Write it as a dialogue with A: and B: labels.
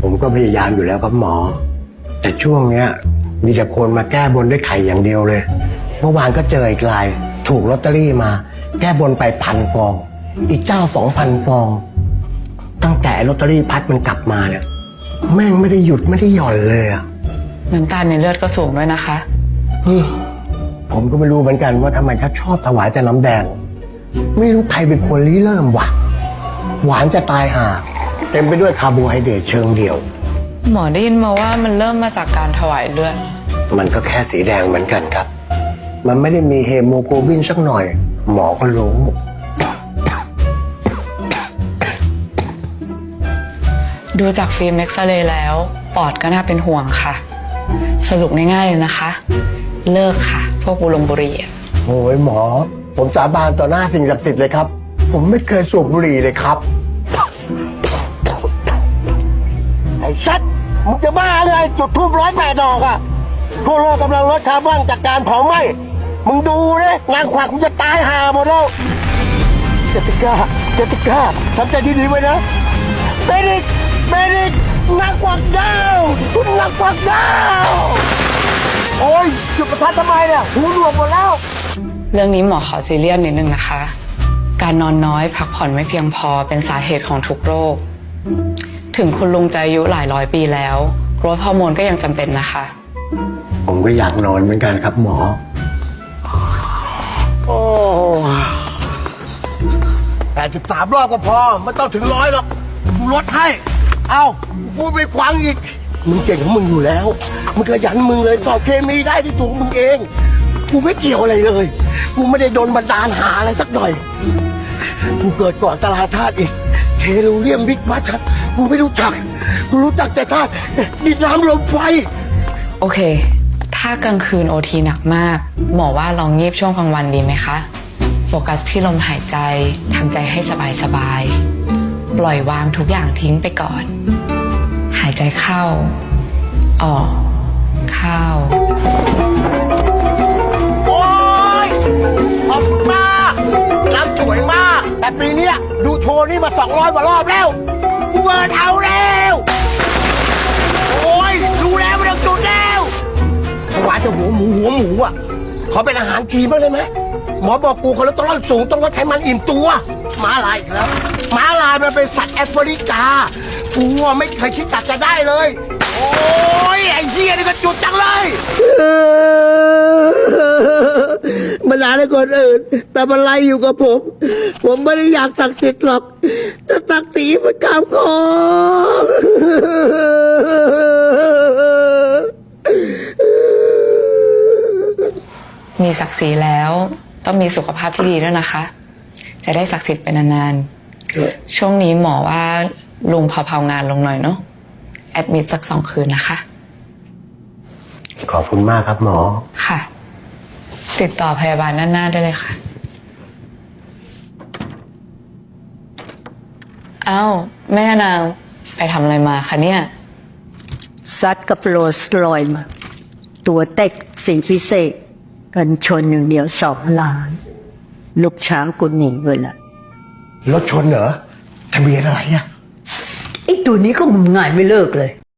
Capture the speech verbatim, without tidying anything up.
A: ผมก็พยายามอยู่แล้วครับหมอแต่ช่วงเนี้ยมีแต่คนมาแก้บนด้วยไข่อย่างเดียวเลยเมื่อวานก็เจออีกรายถูกลอตเตอรี่มาแก้บนไปพันฟองอีกเจ้าสองพันฟองตั้งแต่ลอตเตอรี่พัดมันกลับมาเนี่ยแม่งไม่ได้หยุดไม่ได้หย่อนเลยอะ
B: น้ำตาลในเลือดก็สูงด้วยนะคะ
A: ผมก็ไม่รู้เหมือนกันว่าทำไมเขาชอบถวายแต่น้ำแดงไม่รู้ใครเป็นคนริเริ่มวะหวานจะตายห่าเต็มไปด้วยคาร์โบไฮเดรตเชิงเดียว
B: หมอได้ยินมาว่ามันเริ่มมาจากการถวายเลือด
A: มันก็แค่สีแดงเหมือนกันครับมันไม่ได้มีเฮโมโกลบินสักหน่อยหมอก็รู้
B: ดูจากฟิล์มเอ็กซเรย์แล้วปอดก็น่าเป็นห่วงค่ะสรุปง่ายๆเลยนะคะเลิกค่ะพวกบุหรี่บุหรี่
A: โอ้ยหมอผมสาบานต่อหน้าสิ่งศักดิ์สิทธิ์เลยครับผมไม่เคยสูบบุหรี่เลยครับ
C: ไอ้ชัดมึงจะบ้าเลยจุดทูบร้อยแปดดอกอะทั่วโลกกำลังลดคาร์บอนจากการเผาไหม้มึงดูเลยงานขวากมึงจะตายห่าหมดแล้วเจติก้าเจติก้าทำใจดีๆไว้นะเบริกเบริกนักขวากดาวนักขวากดาวโอ้ยจุดประทัดทำไมเนี่ยหูหนวกหมดแล้ว
B: เรื่องนี้หมอขอซีเรียสนิดนึงนะคะการนอนน้อยพักผ่อนไม่เพียงพอเป็นสาเหตุของทุกโรคถึงคุณลุงจะอายุหลายร้อยปีแล้วโกรทฮอร์โมนก็ยังจำเป็นนะคะ
A: ผมก็อยากนอนเหมือนกันครับหมอโอ้แปดสิบสามรอบก็พอไม่ต้องถึงร้อยหรอกกูลดให้เอาพูดไปควังอีกมึงเก่งของมึงอยู่แล้วมึงขยันมึงเลยสอบเคมีได้ที่ถูกมึงเองกูไม่เกี่ยวอะไรเลยกูไม่ได้โดนบันดาลหาอะไรสักหน่อยกูเกิดก่อนตลาดธาตุอีกเทลูเรียมบิ๊กมาชัดกูไม่รู้จักกูรู้จักแต่ธาตุดินน้ำลมไฟ
B: โอเคถ้ากลางคืนโอทีหนักมากหมอว่าลองงีบช่วงกลางวันดีไหมคะโฟกัสที่ลมหายใจทำใจให้สบายสบายปล่อยวางทุกอย่างทิ้งไปก่อนหายใจเข้าออกเข้า
A: โอ้ยขอบคุณมากรำสวยมากแต่ปีนี้ดูโชว์นี่มาสองร้อยกว่ารอบแล้วกูเบิร์นเอาแล้วโอ้ยดูแล้วไม่ต้องจุดแล้วถวายจะหัวหมูหัวหมูอ่ะขอเป็นอาหารกีบ้างได้ไหมหมอบอกกูคอเลสเตอรอลสูงต้องลดไขมันอิ่มตัวม้าลายอีกแล้วม้าลายมันเป็นสัตว์แอฟริกากูไม่เคยคิดตัดจะได้เลยโอ้ยไอ้เหี้ยนี่ก็จุดจังเลยมันด่าให้คนอื่นแต่มันไล่อยู่กับผมผมไม่ได้อยากศักดิ์สิทธิ์หรอกแต่ศักดิ์ศรีมันกล้ามคอ
B: มีศักดิ์ศรีแล้วต้องมีสุขภาพที่ดีด้วยนะคะจะได้ศักดิ์สิทธิ์ไปนานๆช่วงนี้หมอว่าลุงเผาๆงานลงหน่อยเนาะแอดมิดสักสองคืนนะคะ
A: ขอบคุณมากครับหมอ
B: ค่ะติดต่อพยาบาลด้านหน้าได้เลยค่ะเอ้าแม่นางไปทำอะไรมาคะเนี่ย
D: ซัดกับโรสลอยมาตัวเต็กสิ่งพิเศษกันชนหนึ่งเดียวสองล้านลูกช้างกุนหนีเลยล่ะ
A: รถชนเหรอทะเบียนอะไรอะ
D: ไอ้ตัวนี้ก็งมงายไม่เลิกเลย